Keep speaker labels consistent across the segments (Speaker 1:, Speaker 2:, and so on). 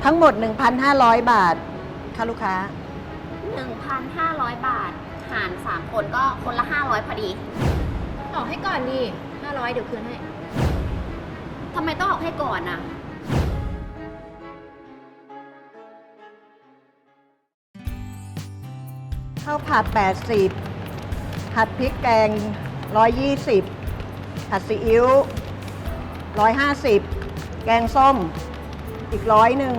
Speaker 1: ทั้งหมด 1,500 บาทค่ะลูกค้า
Speaker 2: 1,500 บาท หาร 3 คนก็คนละ 500 พอดี
Speaker 3: ออกให้ก่อนดิ500เดี๋ยวคืนให้
Speaker 2: ทำไมต้องออกให้ก่อนน่ะ
Speaker 1: ข้าวผัด 80 ผัดพริกแกง 120 ผัดซีอิ๊ว 150 แกงส้ม อีก100นึง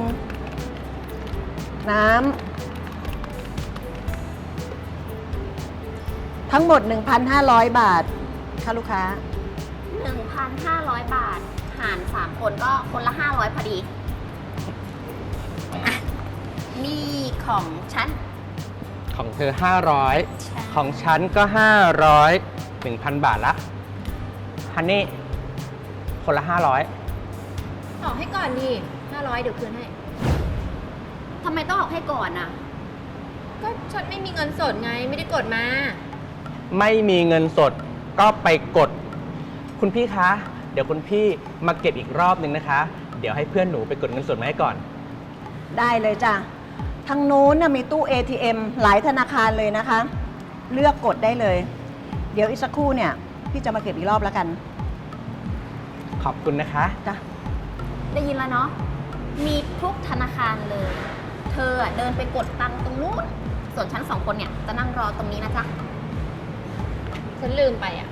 Speaker 1: น้ำ ทั้งหมด 1,500 บาทค่ะลูกค้า
Speaker 2: 1,500 บาท หาร 3 คนก็คนละ 500 พอดีอ่ะนี่ของฉัน
Speaker 4: ของเธอ
Speaker 2: ใช่
Speaker 4: 500 ของฉันก็ 500 1,000 บาทละฮันนี่ คนละ 500
Speaker 3: ออกให้ก่อนดิ500เดี๋ยวคืนให้
Speaker 2: ทำไมต้องออกให้ก่อนน่ะ
Speaker 3: ก็ฉันไม่มีเงินสดไงไม่ได้กดมา
Speaker 4: ไม่มีเงินสดก็ไปกด คุณพี่คะ เดี๋ยวคุณพี่มาเก็บอีกรอบนึงนะคะ เดี๋ยวให้เพื่อนหนูไปกดเงินสดมาให้ก่อน
Speaker 1: ได้เลยจ้ะ ทางนู้นน่ะมีตู้ ATM หลายธนาคารเลยนะคะ เลือกกดได้เลย เดี๋ยวอีกสักครู่เนี่ย พี่จะมาเก็บอีกรอบแล้วกัน
Speaker 4: ขอบคุณนะคะ
Speaker 1: จ้ะ
Speaker 2: ได้ยินแล้วเนาะ มีทุกธนาคารเลย เธอเดินไปกดตังค์ตรงนู้น ส่วนฉัน2 คนเนี่ยจะนั่งรอตรงนี้นะจ๊ะ
Speaker 3: ฉันลืมไปอ่ะ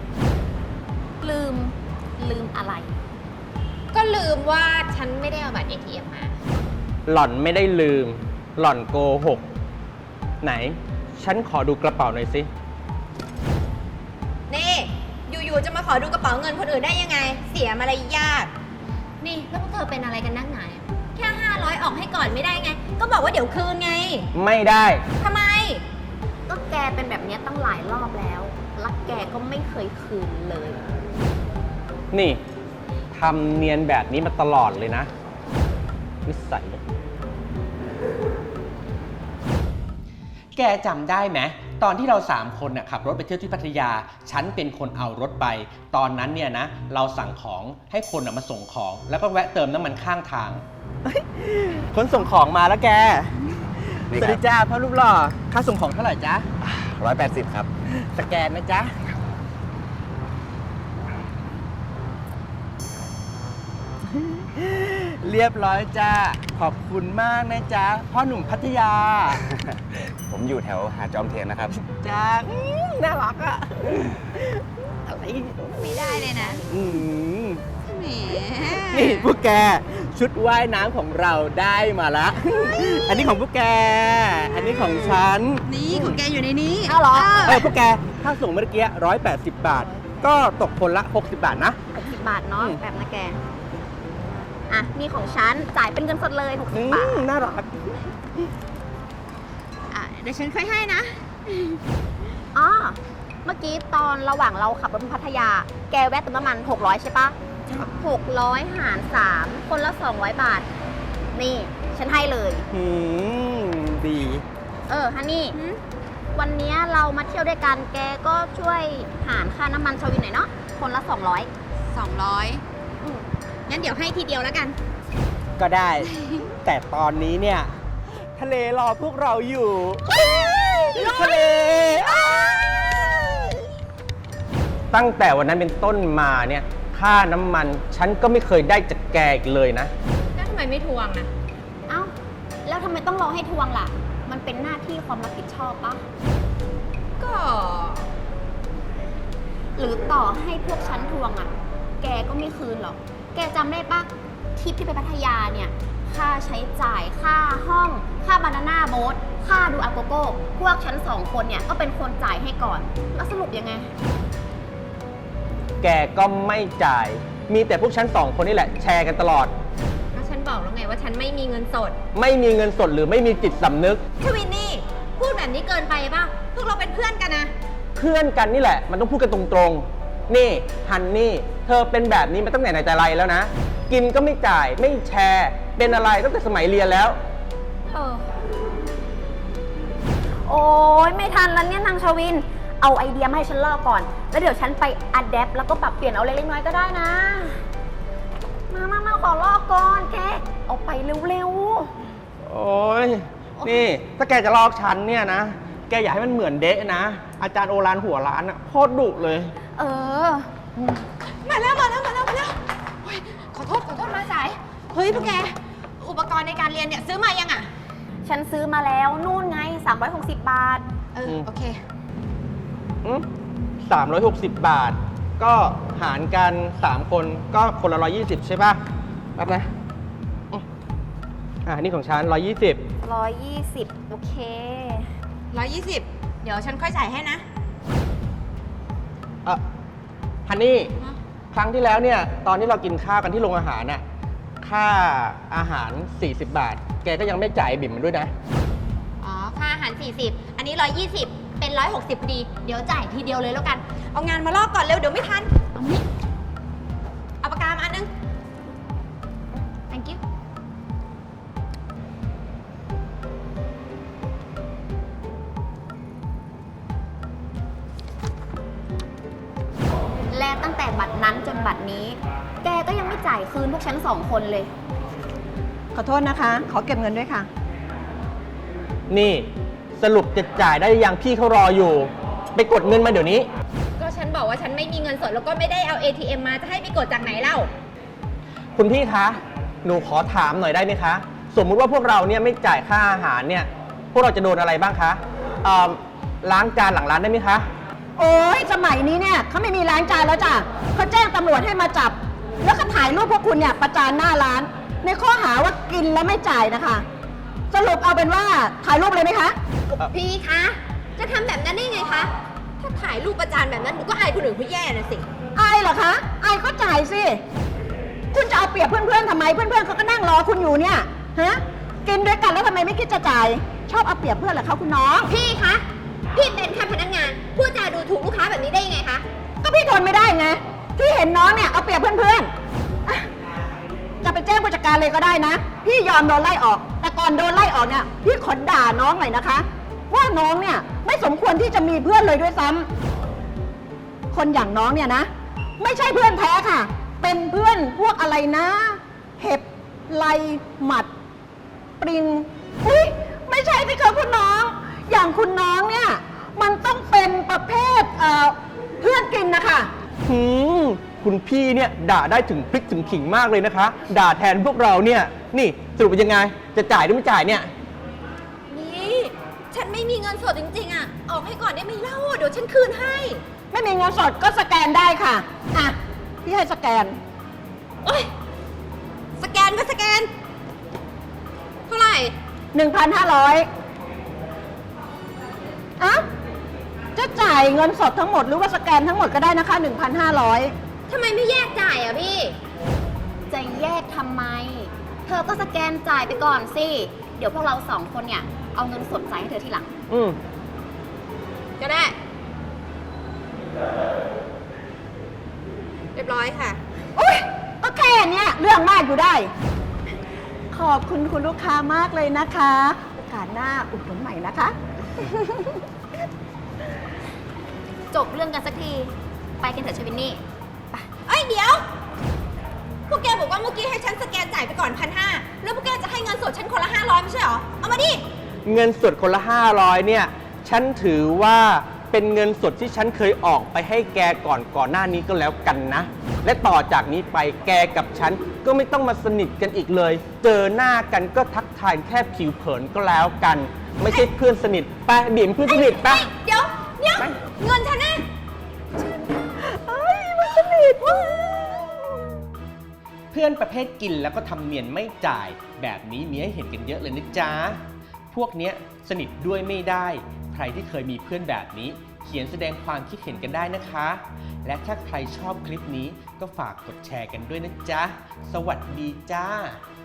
Speaker 2: ลืมอะไร
Speaker 3: ก็ลืมว่าฉันไม่ได้เอาบัตร ATM มา
Speaker 4: หล่อนไม่ได้ลืม หล่อนโกหก ไหน ฉันขอดูกระเป๋าหน่อยสิ
Speaker 3: นี่ อยู่ๆจะมาขอดูกระเป๋าเงินคนอื่นได้ยังไง เสียมารยาท นี่แล้วพวกเธอเป็นอะไรกันนักหนาเนี่ยแค่500ออกให้ก่อนไม่ได้ไง ก็บอกว่าเดี๋ยวคืนไง
Speaker 4: ไม่ได้
Speaker 3: ทำไม
Speaker 2: ก็แกเป็นแบบเนี้ยตั้งหลายรอบแล้ว แล้วแกก็ไม่เคยคืนเลย
Speaker 4: นี่ทำเนียนแบบนี้มาตลอดเลยนะนิสัย แกจำได้ไหมตอนที่เรา3 คนน่ะขับรถไปเที่ยวที่พัทยา ฉันเป็นคนเอารถไป ตอนนั้นเนี่ยนะ เราสั่งของให้คนน่ะมาส่งของ แล้วก็แวะเติมน้ำมันข้างทาง คนส่งของมาแล้วแก สวัสดีจ้าพ่อรูปหล่อ ค่าส่งของเท่าไหร่จ๊ะ
Speaker 5: 180 ครับ
Speaker 4: สแกนนะจ๊ะ เรียบร้อยจ้า ขอบคุณมากนะจ๊ะ พ่อหนุ่มพัทยา
Speaker 5: ผมอยู่แถวหาดจอมเทียนนะครับ
Speaker 4: จ้าน่ารักอะอะไร
Speaker 3: ไม่ได้เลยนะ
Speaker 4: อืม
Speaker 3: แหม
Speaker 4: นี่พวกแก ชุดว่ายน้ำของเราได้มาละ อันนี้ของพวกแก อันนี้ของฉัน
Speaker 3: นี่ของแกอยู่ในนี้
Speaker 2: อ้าวเหรอ
Speaker 4: พวกแก ถ้าส่งเมื่อกี้180 บาท ก็ตกคนละ 60 บาทนะ
Speaker 2: 60 บาทเนาะ
Speaker 4: อืม
Speaker 2: แบบนะแก อ่ะ นี่ของฉัน จ่ายเป็นเงินสดเลย 60 บาท
Speaker 4: น่ารัก
Speaker 3: เดี๋ยวฉันค่อยให้นะ
Speaker 2: อ๋อ เมื่อกี้ตอนระหว่างเราขับรถไปพัทยา แกแวะเติมน้ำมัน 600 ใช่ปะ600 หาร 3 คนละ 200 บาท นี่ ฉันให้เลย
Speaker 4: ดี
Speaker 2: ฮันนี่ วันนี้เรามาเที่ยวด้วยกัน แกก็ช่วยหารค่าน้ำมันชาวินหน่อยเนาะ คนละ 200
Speaker 3: 200
Speaker 2: อืม
Speaker 3: งั้นเดี๋ยวให้ทีเดียวแล้วกัน
Speaker 4: ก็ได้ แต่ตอนนี้เนี่ย ทะเลรอพวกเราอยู่ทะเล ตั้งแต่วันนั้นเป็นต้นมาเนี่ย ค่าน้ำมัน ฉันก็ไม่เคยได้จากแกอีกเลยนะ
Speaker 3: แล้วทำไมไม่ทวงนะ
Speaker 2: เอ้า แล้วทำไมต้องรอให้ทวงล่ะ มันเป็นหน้าที่ความรับผิดชอบปะ
Speaker 3: ก็
Speaker 2: หรือต่อให้พวกฉันทวงอะ่ะ แกก็ไม่คืนหรอก แกจำได้ปะทริปที่ไปพัทยาเนี่ย ค่าใช้จ่าย ค่าห้อง ค่าบานาน่าโบ๊ท ค่าดูอาโกโก้ พวกฉัน2 คนเนี่ยก็เป็นคนจ่ายให้ก่อน แล้วสรุปยังไง
Speaker 4: แกก็ไม่จ่าย มีแต่พวกฉัน2 คนนี่แหละ แชร์กันตลอด
Speaker 3: ก็ฉันบอกแล้วไงว่าฉันไม่มีเงินสด
Speaker 4: ไม่มีเงินสดหรือไม่มีจิตสำนึก
Speaker 3: ทวินนี่ พูดแบบนี้เกินไปป่ะ พวกเราเป็นเพื่อนกันนะ
Speaker 4: เพื่อนกันนี่แหละ มันต้องพูดกันตรงๆ นี่ฮันนี่ เธอเป็นแบบนี้มาตั้งแต่ไหนแต่ไรแล้วนะ กินก็ไม่จ่าย ไม่แชร์ เป็นอะไรตั้งแต่สมัยเรียนแล้ว
Speaker 2: โอ้ยไม่ทันแล้วเนี่ยนางชวิน เอาไอเดียมาให้ฉันลอกก่อน แล้วเดี๋ยวฉันไปอัดแอปแล้วก็ปรับเปลี่ยนเอาเล็กๆน้อยๆก็ได้นะ มาขอลอกก่อนแกเอาไปเร็วๆ
Speaker 4: โอ้ยนี่ถ้าแกจะลอกฉันเนี่ยนะ แกอย่าให้มันเหมือนเดะนะ อาจารย์โอรานหัวร้านอะโคตรดุเลย
Speaker 2: เออ
Speaker 3: มาแล้วโอ๊ยขอโทษมาสาย เฮ้ยพวกแก อุปกรณ์ในการเรียนเนี่ยซื้อมายังอ่ะ
Speaker 2: ฉันซื้อมาแล้วนู่นไง 360 บาท
Speaker 3: โอเค
Speaker 4: 360 บาท ก็หารกัน 3 คนก็คนละ 120 ใช่ป่ะรับนะนี่ของฉัน 120
Speaker 2: 120 โอเค
Speaker 3: 120 เดี๋ยวฉันค่อยจ่ายให้นะ
Speaker 4: ฮันนี่
Speaker 3: ฮะ
Speaker 4: ครั้งที่แล้วเนี่ย ตอนที่เรากินข้าวกันที่โรงอาหารน่ะ ค่าอาหาร 40 บาท แกก็ยังไม่จ่ายบิ่มมันด้วยนะ
Speaker 3: อ๋อ ค่าอาหาร 40 อันนี้ 120 เป็น 160พอดี เดี๋ยวจ่ายทีเดียวเลยแล้วกัน เอางานมาลอกก่อนเร็ว เดี๋ยวไม่ทัน เอานี่ เอาปากกามาอันนึง thank you
Speaker 2: และตั้งแต่บัตรนั้นจนบัตรนี้ แกก็ยังไม่จ่ายคืนพวกฉัน2 คนเลย
Speaker 1: ขอโทษนะคะ ขอเก็บเงินด้วยค่ะ
Speaker 4: นี่สรุปจะจ่ายได้ยังพี่เขารออยู่ ไปกดเงินมาเดี๋ยวนี้
Speaker 3: ก็ฉันบอกว่าฉันไม่มีเงินสดแล้วก็ไม่ได้เอา ATM มาจะให้ไปกดจากไหนเล่า
Speaker 4: คุณพี่คะ หนูขอถามหน่อยได้ไหมคะ สมมุติว่าพวกเราเนี่ยไม่จ่ายค่าอาหารเนี่ย พวกเราจะโดนอะไรบ้างคะล้างจานหลังร้านได้ไหมคะ
Speaker 1: โอ้ยสมัยนี้เนี่ยเขาไม่มีล้างจานแล้วจ้ะเขาแจ้งตำรวจให้มาจับ แล้วก็ถ่ายรูปพวกคุณเนี่ยประจานหน้าร้าน ในข้อหาว่ากินแล้วไม่จ่ายนะคะ สรุปเอาเป็นว่าถ่ายรูปเลยไหมคะ
Speaker 3: พี่คะ จะทำแบบนั้นได้ไงคะ ถ้าถ่ายรูปประจานแบบนั้นหนูก็อายคนอื่นเขาแย่นะสิ
Speaker 1: อายเหรอคะอายก็จ่ายสิ คุณจะเอาเปรียบเพื่อนๆทำไม เพื่อนๆเขาก็นั่งรอคุณอยู่เนี่ย ฮะ กินด้วยกันแล้วทำไมไม่คิดจะจ่าย ชอบเอาเปรียบเพื่อนเหรอคะคุณน้อง
Speaker 3: พี่คะ พี่เป็นแค่พนักงาน พูดจาดูถูกลูกค้าแบบนี้ได้ยังไงคะ
Speaker 1: ก็พี่ทนไม่ได้ไง ที่เห็นน้องเนี่ยเอาเปรียบเพื่อนๆอ่ะจะไปแจ้งผู้จัดการเลยก็ได้นะ พี่ยอมโดนไล่ออก แต่ก่อนโดนไล่ออกเนี่ย พี่ขอด่าน้องหน่อยนะคะ ว่าน้องเนี่ยไม่สมควรที่จะมีเพื่อนเลยด้วยซ้ำคนอย่างน้องเนี่ยนะ ไม่ใช่เพื่อนแท้ค่ะ เป็นเพื่อนพวกอะไรนะ เห็บไลหมัด ปริงอุ้ยไม่ใช่สิคะคุณน้อง อย่างคุณน้องเนี่ย มันต้องเป็นประเภทเพื่อนกินนะคะ
Speaker 4: คุณพี่เนี่ยด่าได้ถึงพริกถึงขิงมากเลยนะคะ ด่าแทนพวกเราเนี่ย นี่สรุปเป็นยังไง จะจ่ายหรือไม่จ่ายเนี่ย
Speaker 3: นี่ ฉันไม่มีเงินสดจริงๆอ่ะ ออกให้ก่อนได้ไหมเล่า เดี๋ยวฉันคืนให้
Speaker 1: ไม่มีเงินสดก็สแกนได้ค่ะ อ่ะ พี่ให้สแกน
Speaker 3: โอ๊ย สแกนก็สแกน เท่าไหร่
Speaker 1: 1,500อ่ะจะจ่ายเงินสดทั้งหมดหรือว่าสแกนทั้งหมดก็ได้นะคะ 1,500
Speaker 3: ทำไมไม่แยกจ่ายอ่ะพี่
Speaker 2: จะแยกทำไม เธอก็สแกนจ่ายไปก่อนสิ เดี๋ยวพวกเรา2 คนเนี่ยเอาเงินสดจ่ายให้เธอทีหลัง
Speaker 3: ก็ได้ เรียบร้อยค่ะ
Speaker 1: อุ้ยก็แค่เนี้ยเรื่องมากอยู่ได้ ขอบคุณคุณลูกค้ามากเลยนะคะ โอกาสหน้าอุดหนุนใหม่นะคะ
Speaker 2: จบเรื่องกันสักที ไปกันเถอะชวินนี่
Speaker 3: เอ้ยเดี๋ยว พวกแกบอกว่าเมื่อกี้ให้ฉันสแกนจ่ายไปก่อน1,500แล้วพวกแกจะให้เงินสดฉันคนละ 500ไม่ใช่เหรอ เอามาดิ
Speaker 4: เงินสดคนละ 500เนี่ย ฉันถือว่าเป็นเงินสดที่ฉันเคยออกไปให้แกก่อนหน้านี้ก็แล้วกันนะ และต่อจากนี้ไปแกกับฉันก็ไม่ต้องมาสนิทกันอีกเลย เจอหน้ากันก็ทักทายแค่ผิวเผินก็แล้วกัน ไม่ใช่เพื่อนสนิทไปบิ่มเพื่อนสนิทไป
Speaker 3: เดี๋ยว
Speaker 4: ไป
Speaker 3: เงินฉันนะ
Speaker 4: เพื่อนประเภทกินแล้วก็ทำเนียนไม่จ่าย แบบนี้มีให้เห็นกันเยอะเลยนะจ๊ะ พวกเนี้ยสนิทด้วยไม่ได้ ใครที่เคยมีเพื่อนแบบนี้ เขียนแสดงความคิดเห็นกันได้นะคะ และถ้าใครชอบคลิปนี้ก็ฝากกดแชร์กันด้วยนะจ๊ะ สวัสดีจ้า